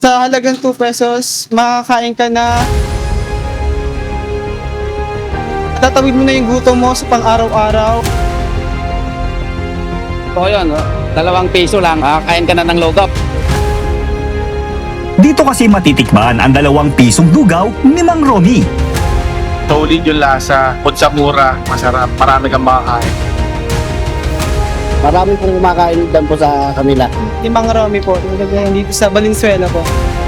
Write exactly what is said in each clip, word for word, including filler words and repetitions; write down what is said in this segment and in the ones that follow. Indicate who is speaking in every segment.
Speaker 1: Sa halagang two pesos, makakain ka na. Tatawid mo na yung gutom mo sa pang-araw-araw.
Speaker 2: So yun, oh, dalawang piso lang, ah, kain ka na ng logop.
Speaker 3: Dito kasi matitikman ang dalawang pisong lugaw ni Mang Romy.
Speaker 4: Solid yung lasa, kung sa mura, masarap, marami kang makakain.
Speaker 5: Marami pong kumakain dyan po sa kanila.
Speaker 1: Ni Mang Romy po, talagang dito sa Valenzuela po.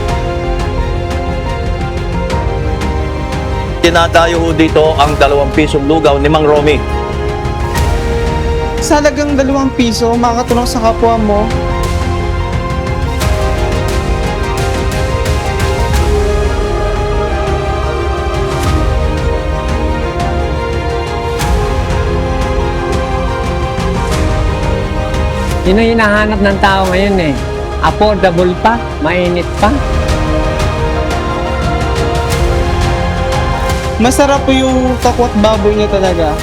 Speaker 6: Dinadayo ho dito ang dalawang pisong lugaw ni Mang Romy.
Speaker 1: Sa halagang dalawang piso, makakatulong sa kapwa mo.
Speaker 7: Yun ang hinahanap ng tao ngayon eh. Affordable pa, mainit pa.
Speaker 1: Masarap po yung takwat baboy niya talaga.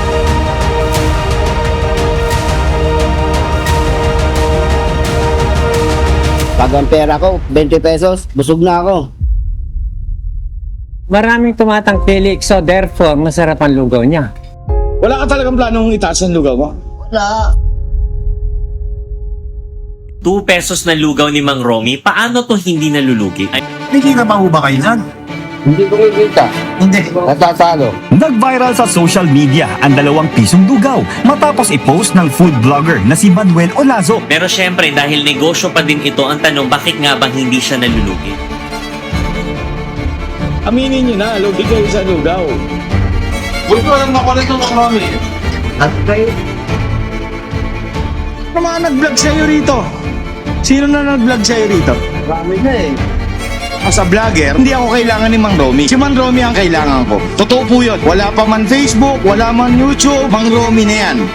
Speaker 5: Pag ang pera ko, twenty pesos, busog na ako.
Speaker 7: Maraming tumatangkilik, so therefore, masarap ang lugaw niya.
Speaker 8: Wala ka talagang planong itaas ang lugaw mo?
Speaker 5: Wala.
Speaker 9: two pesos na lugaw ni Mang Romy, paano to hindi nalulugi? Ay,
Speaker 8: Hindi na ba ho ba kayo yan?
Speaker 5: Hindi ko kikita.
Speaker 8: Hindi.
Speaker 5: Natatalo.
Speaker 3: Nag-viral sa social media ang dalawang pisong lugaw matapos i-post ng food vlogger na si Manuel Olazo.
Speaker 9: pero syempre, dahil negosyo pa din ito, ang tanong, bakit nga bang hindi siya nalulugi?
Speaker 8: Aminin nyo na, lugi kayo sa lugaw.
Speaker 4: Huwag ko lang makulit ng marami.
Speaker 5: At kayo?
Speaker 8: Ano mga nag-vlog sa'yo rito? Sino na nag-vlog sa'yo rito?
Speaker 5: Marami na eh.
Speaker 8: As a vlogger, hindi ako kailangan ni Mang Romy. Si Mang Romy ang kailangan ko. Totoo po yun. Wala pa man Facebook, wala man YouTube, Mang Romy na yan.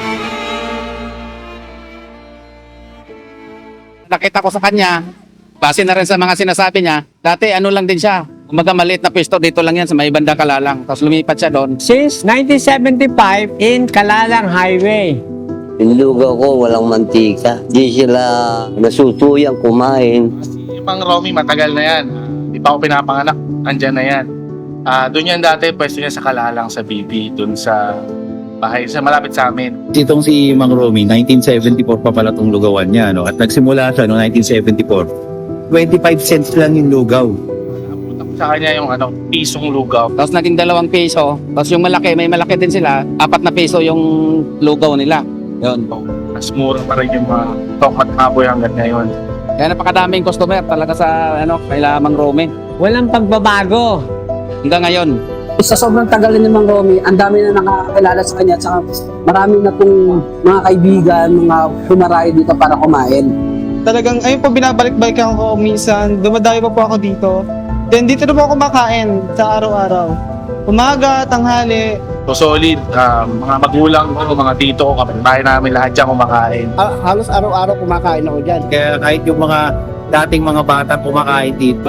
Speaker 2: Nakita ko sa kanya, base na rin sa mga sinasabi niya, dati ano lang din siya, umaga maliit na pwesto, dito lang yan sa may banda Kalalang. Tapos lumipat siya doon.
Speaker 7: Since nineteen seventy-five, in Kalalang Highway.
Speaker 5: Yung lugaw ko, walang mantika. Di sila nasutuyang kumain.
Speaker 4: Si Mang Romy, matagal na yan. Di pa ako pinapanganak, andyan na yan. Ah, doon yan dati, pwesto niya sa Kalalang, sa B B, doon sa bahay, sa malapit sa amin.
Speaker 10: Itong si Mang Romy, nineteen seventy-four pa pala itong lugawan niya, no? At nagsimula siya no nineteen seventy-four. twenty-five cents lang yung lugaw.
Speaker 4: Napunta ko sa kanya yung ano, pisong lugaw.
Speaker 2: Tapos naging dalawang piso, tapos yung malaki, may malaki din sila, apat na piso yung lugaw nila. Yun.
Speaker 4: Mas mura pa rin yung mga tokmat kaboy hanggang ngayon.
Speaker 2: Kaya napakadaming customer talaga sa ano, kay Mang Romy.
Speaker 7: Walang pagbabago.
Speaker 2: Hanggang ngayon.
Speaker 5: Sa sobrang tagal ni Mang Romy, ang dami na nakakakilala sa kanya. Tsaka marami na pong mga kaibigan, mga humarayo dito para kumain.
Speaker 1: Talagang, ayun po, binabalik-balikan ko minsan. Dumadayo pa po ako dito. Then dito na po ako kumakain sa araw-araw. Umaga, tanghali.
Speaker 4: So solid, ah, mga magulang ko, mga tito ko, kapitbahay namin, lahat dyan kumakain.
Speaker 5: Ha- halos araw-araw kumakain ako dyan.
Speaker 10: Kaya kahit yung mga dating mga bata kumakain dito,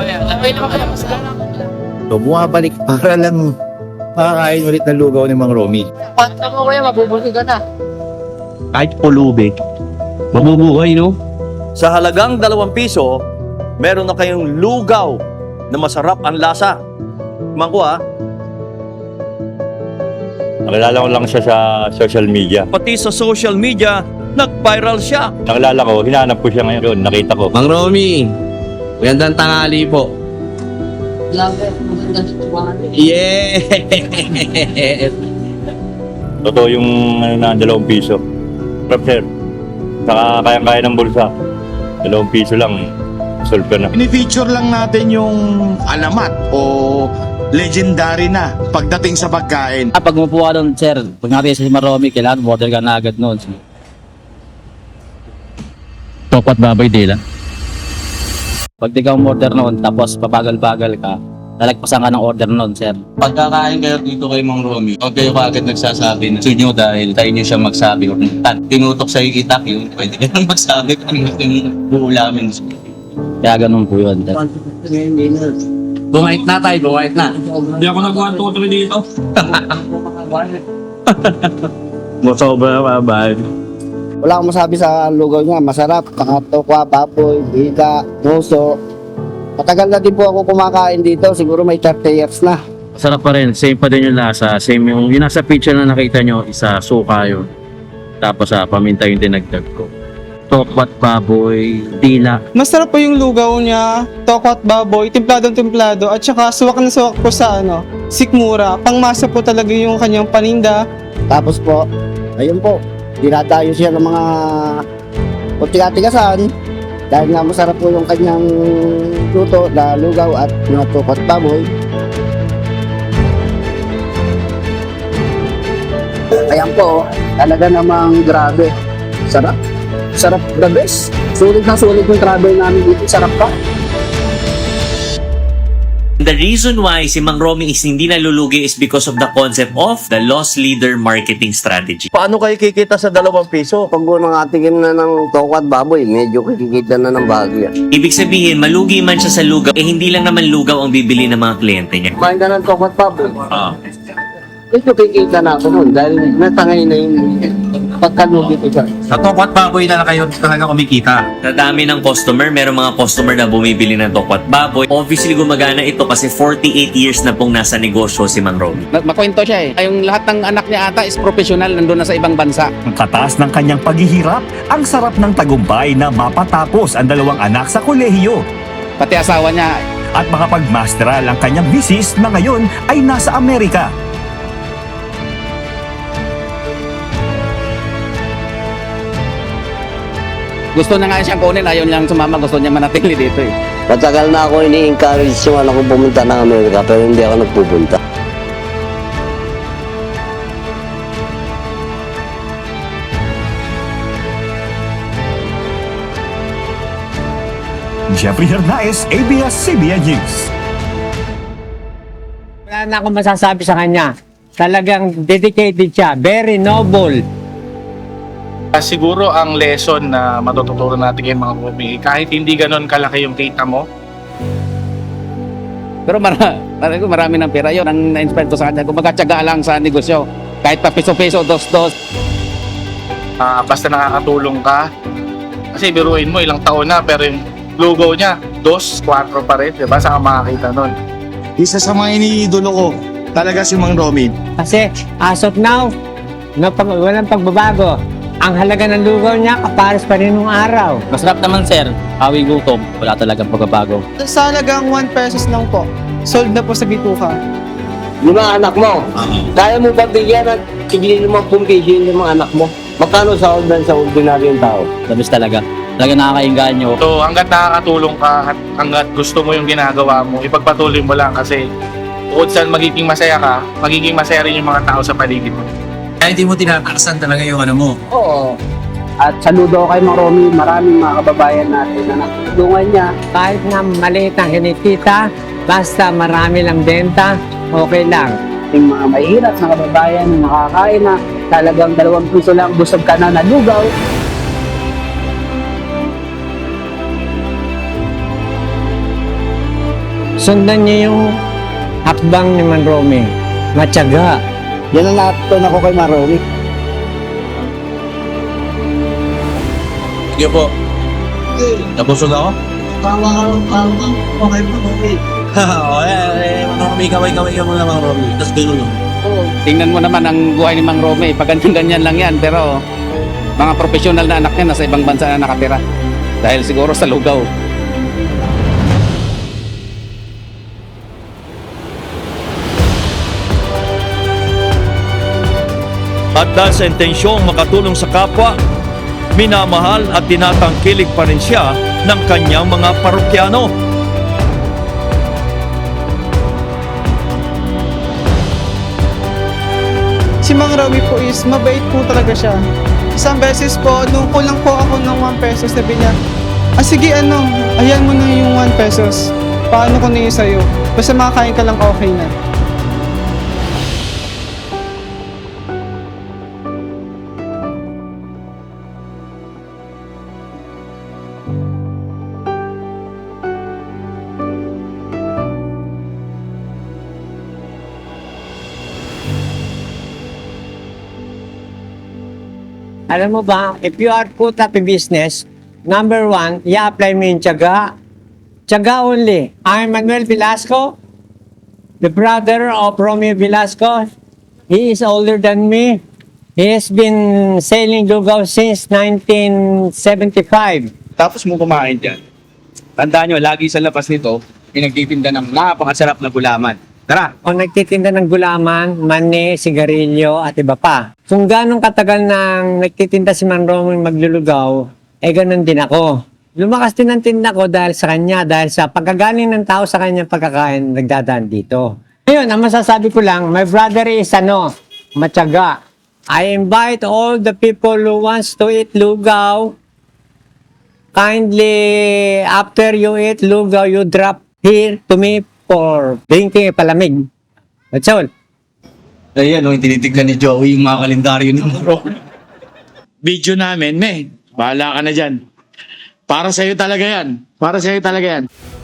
Speaker 10: so bumabalik para lang makakain ulit ng lugaw ni Mang Romy.
Speaker 5: Panta mo kuya, mabubuti ka na.
Speaker 6: Kahit pulubi,
Speaker 9: Mabubuhay, no?
Speaker 6: sa halagang dalawang piso, meron na kayong lugaw na masarap ang lasa. Mangko ah.
Speaker 11: Nakilala ko lang siya sa social media.
Speaker 6: Pati sa social media, nag-viral siya.
Speaker 11: Nakilala ko, hinahanap ko siya ngayon, nakita ko.
Speaker 9: Mang Romy, magandang tanghali po. Yeah!
Speaker 11: Totoo yung ano na, dalawang piso. Prep sir, saka kayang-kaya ng bulsa. Dalawang piso lang, solve ka na.
Speaker 8: Ini-feature lang natin yung alamat o legendary na pagdating sa pagkain.
Speaker 2: Ah, pag umupo ka doon, sir, pag natin si Mang Romy, kailangan order ka na agad noon. Topat babay dila. Pag di ka umorder noon, tapos pabagal-bagal ka, lalagpasan ka ng order noon, sir.
Speaker 9: Pagkakain kayo dito kay Mang Romy, huwag kayo kaagad nagsasabi na gusto nyo dahil tayo nyo siya magsabi. Tan, tinutok sa'yo itak yun, pwede ka nang magsabi kung gusto nyo buulamin.
Speaker 2: Kaya ganun po yun, sir.
Speaker 9: Bumait na tayo, bumait na.
Speaker 8: Hindi ako nag-one, two, three dito.
Speaker 11: Sobra mabay.
Speaker 5: Wala akong masabi sa lugaw niya, masarap. Pakatokwa, baboy, biga, muso. Matagal na din po ako kumakain dito, siguro may thirty years na.
Speaker 10: Sarap pa rin, same pa din yung lasa. Same yung, yung nasa picture na nakita nyo, isa suka yun. Tapos sa paminta yung dinagdag ko. Tokwat baboy, dila.
Speaker 1: Masarap po yung lugaw niya, tokwat baboy, templadong templado, at saka suwak na suwak po sa ano, sikmura. Pangmasa po talaga yung kanyang paninda.
Speaker 5: Tapos po, ayun po, dinadayo siya ng mga puti-atigasan. Dahil nga masarap po yung kanyang luto na lugaw at mga tukot baboy. Ayan po, talaga namang grabe. Sarap. Sarap the best. Sulit na sulit yung travel namin dito. Sarap pa.
Speaker 12: The reason why si Mang Romy is hindi nalulugi is because of the concept of the loss leader marketing strategy.
Speaker 6: Paano kayo kikita sa dalawang piso?
Speaker 5: Pag po nangatingin na ng toko at baboy, medyo kikikita na ng bahagya.
Speaker 12: Ibig sabihin, malugi man siya sa lugaw, eh hindi lang naman lugaw ang bibili ng mga kliyente niya.
Speaker 5: Kumain ka ng toko at baboy.
Speaker 12: Ah.
Speaker 5: Medyo kikita na ako nun dahil natangay na yung pagkalugi ko siya.
Speaker 2: Sa tokwat baboy na lang kayo talaga kumikita.
Speaker 12: Sa dami ng customer, merong mga customer na bumibili ng tokwat baboy. Obviously, gumagana ito kasi forty-eight years na pong nasa negosyo si Mang Romy.
Speaker 2: Na- Makwento siya eh. Yung lahat ng anak niya ata is professional, nandun na sa ibang bansa.
Speaker 3: Ang kataas ng kanyang paghihirap, ang sarap ng tagumpay na mapatapos ang dalawang anak sa kolehiyo
Speaker 2: Pati asawa niya,
Speaker 3: at makapagmasteral ang kanyang bisis na ngayon ay nasa Amerika.
Speaker 2: gusto na nga siyang kunin, ayaw niyang sumama, gusto niya manatili dito eh.
Speaker 5: Matagal na ako ini-encourage yung anak ko pumunta ng Amerika pero hindi ako nagpupunta.
Speaker 3: Jeffrey Hernaez, A B S C B N News.
Speaker 7: Wala na akong masasabi sa kanya. Talagang dedicated siya. Very noble.
Speaker 4: Ah, siguro ang lesson na matututunan natin kay mga Romy, kahit hindi ganon kalaki yung kita mo,
Speaker 2: Pero mara, mara, marami ng pera yun. Ang na-inspire ko sa kanya, kung magkatsaga lang sa negosyo. Kahit pa piso-piso, dos-dos.
Speaker 4: ah, basta nakakatulong ka. Kasi biruin mo, ilang taon na, pero yung logo niya, dos, kwatro pa rin, diba? Saan ka makakita nun?
Speaker 8: Isa sa mga iniidolo ko, talaga si Mang Romy.
Speaker 7: Kasi as of now, no, pag, walang pagbabago. Ang halaga ng lugaw niya, kapares pa rin nung araw.
Speaker 9: Masarap naman sir, hawi gutom, wala talagang pagbabago.
Speaker 1: Sa halagang one pesos lang po, sold na po sa bituka.
Speaker 5: Yung mga anak mo, kaya mo ba bigyan at sigilin mo pong piso yung mga anak mo? Magkano sa ordan sa ordinaryong tao?
Speaker 9: Labis talaga. Talaga nakakainganyo.
Speaker 4: So hanggat nakakatulong ka at hanggat gusto mo yung ginagawa mo, ipagpatuloy mo lang kasi bukod saan magiging masaya ka, magiging masaya rin yung mga tao sa paligid mo.
Speaker 9: Kaya hindi mo tinataksan talaga yung ano mo.
Speaker 5: Oo. At saludo kay Mang Romy, maraming mga kababayan natin na natulungan niya.
Speaker 7: Kahit na maliit ang kinikita, basta marami lang benta, okay lang.
Speaker 5: Yung mga mahirap na kababayan na nakakain na talagang dalawang piso lang, busog ka na na lugaw.
Speaker 7: Sundan niyo yung hakbang ni Man Romy. Matyaga.
Speaker 5: Yan ang natutunan ako kay Mang Romy.
Speaker 9: Sige po. Nabusog ako?
Speaker 5: Okay po, okay.
Speaker 9: Oo, eh, Mang Romy, kaway-kaway ka muna Mang Romy. Tapos gano'n lang.
Speaker 2: Tingnan mo naman ang buhay ni Mang Romy. Pag ganyan-ganyan lang yan. Pero mga professional na anak niya nasa ibang bansa na nakatira. Dahil siguro sa lugaw.
Speaker 6: At dahil sa intensyong makatulong sa kapwa, minamahal at tinatangkilik pa rin siya ng kanyang mga parokyano.
Speaker 1: Si Mang Romy po is mabait po talaga siya. Isang beses po, nung kulang po ako ng one pesos, sabi niya, ah sige ano, ayan mo na yung one pesos. Paano ko na yun sa'yo? Basta makakain ka lang okay na.
Speaker 7: Alam mo ba, if you are put up in business, number one, i-apply mo yung tiyaga, Tiyaga only. I'm Manuel Velasco, the brother of Romeo Velasco. He is older than me. He has been sailing lugaw since nineteen seventy-five.
Speaker 2: Tapos mo kumain dyan. Tandaan nyo, lagi sa labas nito, pinagtitinda ng napakasarap na gulaman. Tara!
Speaker 7: O nagtitinda ng gulaman, mani, sigarilyo, at iba pa. Kung ganong katagal nang nagtitinda si Man Romy maglulugaw, eh ganun din ako. Lumakas din ang tinda ko dahil sa kanya, dahil sa pagkagaling ng tao sa kanyang pagkakain, nagdadaan dito. Ngayon, ang masasabi ko lang, my brother is ano, matyaga. I invite all the people who wants to eat lugaw. Kindly, after you eat lugaw, you drop here to me for drinking a palamig. That's all.
Speaker 9: Ayan, oh, tinitignan ni Joey yung mga kalendaryo ni Bro.
Speaker 8: Video namin, me. Bahala ka na dyan. Para sa'yo talaga yan. Para sa'yo talaga yan.